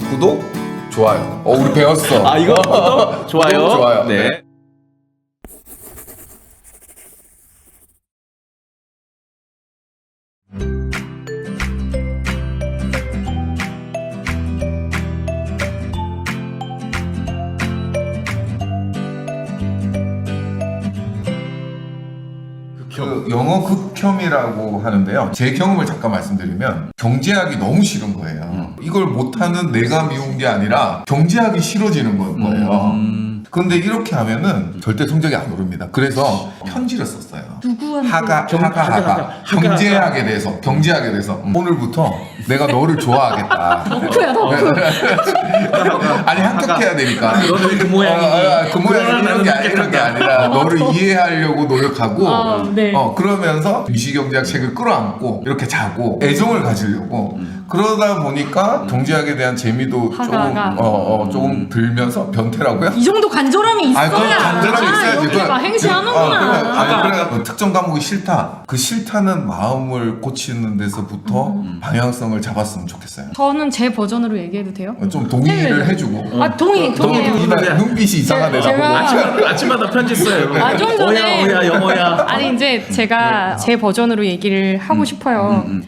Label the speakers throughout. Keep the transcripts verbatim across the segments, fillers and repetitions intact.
Speaker 1: 구독, 좋아요. 어, 우리 배웠어.
Speaker 2: 아, 이거 구독, 좋아요.
Speaker 1: 구독, 좋아요.
Speaker 2: 네.
Speaker 1: 네. 그 영어 극혐이라고 하는데요. 제 경험을 잠깐 말씀드리면 경제학이 너무 싫은 거예요.
Speaker 2: 음.
Speaker 1: 이걸 못하는 내가 미운 게 아니라 경제학이 싫어지는 건 거예요.
Speaker 2: 음.
Speaker 1: 근데 이렇게 하면은 절대 성적이 안 오릅니다. 그래서 편지를 썼어요.
Speaker 3: 누구한테?
Speaker 1: 하가,
Speaker 2: 경-
Speaker 1: 하가,
Speaker 2: 하가,
Speaker 1: 하가.
Speaker 2: 하가.
Speaker 1: 경제학에 대해서, 경제학에 대해서. 음. 오늘부터 내가 너를 좋아하겠다.
Speaker 3: 덕후야 덕후.
Speaker 1: 아니, 합격해야 되니까.
Speaker 2: 너는 왜그 모양이니?
Speaker 1: 어, 어, 그 모양이
Speaker 2: 그러나
Speaker 1: 이런 게, 아니- 이런 게 아니라 너를 이해하려고 노력하고
Speaker 3: 아, 네.
Speaker 1: 어, 그러면서 유시경제학 책을 끌어안고 이렇게 자고 애정을 가지려고 그러다 보니까 경제학에 대한 재미도 조금,
Speaker 3: 하가가.
Speaker 1: 어, 어, 조금 들면서 변태라고요?
Speaker 3: 이 정도 간절함이 있어야.
Speaker 1: 아니, 그건 간절함이 있어야지.
Speaker 3: 여기
Speaker 1: 그건-
Speaker 3: 막 행시하는구나.
Speaker 1: 어, 그래, 아니, 그래, 뭐 특정 과목이 싫다. 그 싫다는 마음을 고치는 데서부터
Speaker 3: 음.
Speaker 1: 방향성을 잡았으면 좋겠어요.
Speaker 3: 저는 제 버전으로 얘기해도 돼요?
Speaker 1: 좀 동의를
Speaker 3: 네.
Speaker 1: 해주고.
Speaker 3: 아 동의 동의해요.
Speaker 2: 동의, 동의.
Speaker 1: 이날 눈빛이 이상하네.
Speaker 3: 제가-
Speaker 1: 나보고.
Speaker 2: 아침마다, 아침마다 편지 써요.
Speaker 3: 아, 좀 전에-
Speaker 2: 오야, 오야, 영어야.
Speaker 3: 아니 이제 제가 제 버전으로 얘기를 하고 싶어요.
Speaker 2: 음, 음.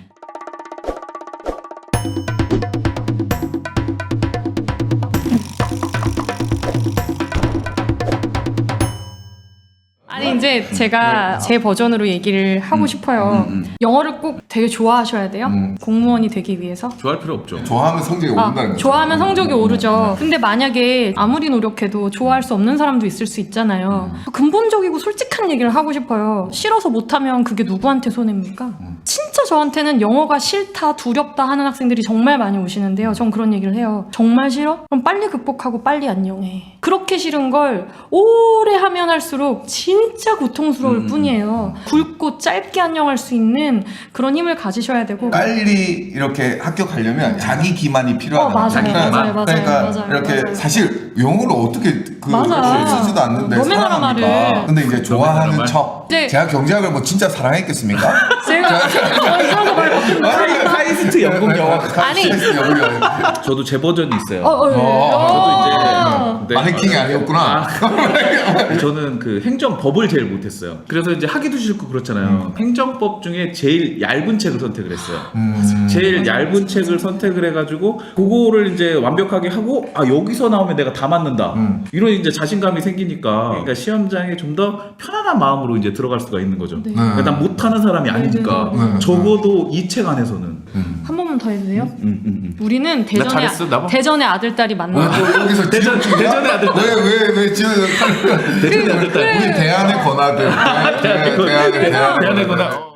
Speaker 3: 아니 이제 제가 제 버전으로 얘기를 하고 싶어요.
Speaker 2: 음, 음.
Speaker 3: 영어를 꼭 되게 좋아하셔야 돼요.
Speaker 1: 음.
Speaker 3: 공무원이 되기 위해서.
Speaker 2: 좋아할 필요 없죠.
Speaker 1: 좋아하면 성적이
Speaker 3: 아,
Speaker 1: 오른다는 거죠.
Speaker 3: 좋아하면 성적이 오르죠. 근데 만약에 아무리 노력해도 좋아할 수 없는 사람도 있을 수 있잖아요. 근본적이고 솔직한 얘기를 하고 싶어요. 싫어서 못하면 그게 누구한테 손해입니까? 진짜 저한테는 영어가 싫다, 두렵다 하는 학생들이 정말 많이 오시는데요. 전 그런 얘기를 해요. 정말 싫어? 그럼 빨리 극복하고 빨리 안녕해. 그렇게 싫은 걸 오래 하면 할수록 진짜 고통스러울
Speaker 2: 음.
Speaker 3: 뿐이에요. 굵고 짧게 안녕할 수 있는 그런 힘을 가지셔야 되고.
Speaker 1: 빨리 이렇게 합격하려면 자기 기만이 필요하다.
Speaker 3: 어, 맞아요,
Speaker 2: 자기
Speaker 3: 맞아요,
Speaker 2: 기만.
Speaker 3: 맞아요,
Speaker 1: 그러니까
Speaker 3: 맞아요,
Speaker 1: 이렇게
Speaker 3: 맞아요.
Speaker 1: 사실 영어를 어떻게 그
Speaker 3: 맞아.
Speaker 1: 쓰지도 않는데
Speaker 3: 너무 많아,
Speaker 1: 사랑합니까?
Speaker 3: 말을.
Speaker 1: 근데 이제 좋아하는
Speaker 2: 말.
Speaker 1: 척.
Speaker 3: 네.
Speaker 1: 제가 경제학을 뭐 진짜 사랑했겠습니까?
Speaker 3: 제가 어, 이상한 말 바꾼다.
Speaker 2: 카이스트 영국 영어.
Speaker 3: 아니.
Speaker 1: 영국 영어.
Speaker 2: 저도 제 버전이 있어요.
Speaker 3: 어, 어,
Speaker 1: 어,
Speaker 3: 어.
Speaker 2: 네.
Speaker 1: 마네킹이 아니었구나.
Speaker 2: 저는 그 행정법을 제일 못했어요. 그래서 이제 하기도 싫고 그렇잖아요. 행정법 중에 제일 얇은 책을 선택을 했어요.
Speaker 1: 음.
Speaker 2: 제일 얇은 책을 선택을 해가지고 그거를 이제 완벽하게 하고 아 여기서 나오면 내가 다 맞는다
Speaker 1: 음.
Speaker 2: 이런 이제 자신감이 생기니까 그러니까 시험장에 좀 더 편안한 마음으로 이제 들어갈 수가 있는 거죠.
Speaker 3: 네.
Speaker 2: 그러니까 난 못하는 사람이 아니니까
Speaker 1: 네, 네, 네.
Speaker 2: 적어도 이 책 안에서는
Speaker 1: 음.
Speaker 3: 한 번만 더 해도 돼요?
Speaker 2: 음, 음, 음.
Speaker 3: 우리는 대전의
Speaker 2: 잘했어, 나 봐.
Speaker 3: 대전의 아들 딸이 만나.
Speaker 1: 어, 여기서
Speaker 2: 대전-
Speaker 1: 지옥주의야?
Speaker 2: 대전의 아들.
Speaker 1: 왜왜왜 지옥?
Speaker 2: 대전의 아들 딸.
Speaker 1: 우리 대안의 권아들.
Speaker 2: 대안의 권-
Speaker 1: 대안의
Speaker 2: 대안의 권아.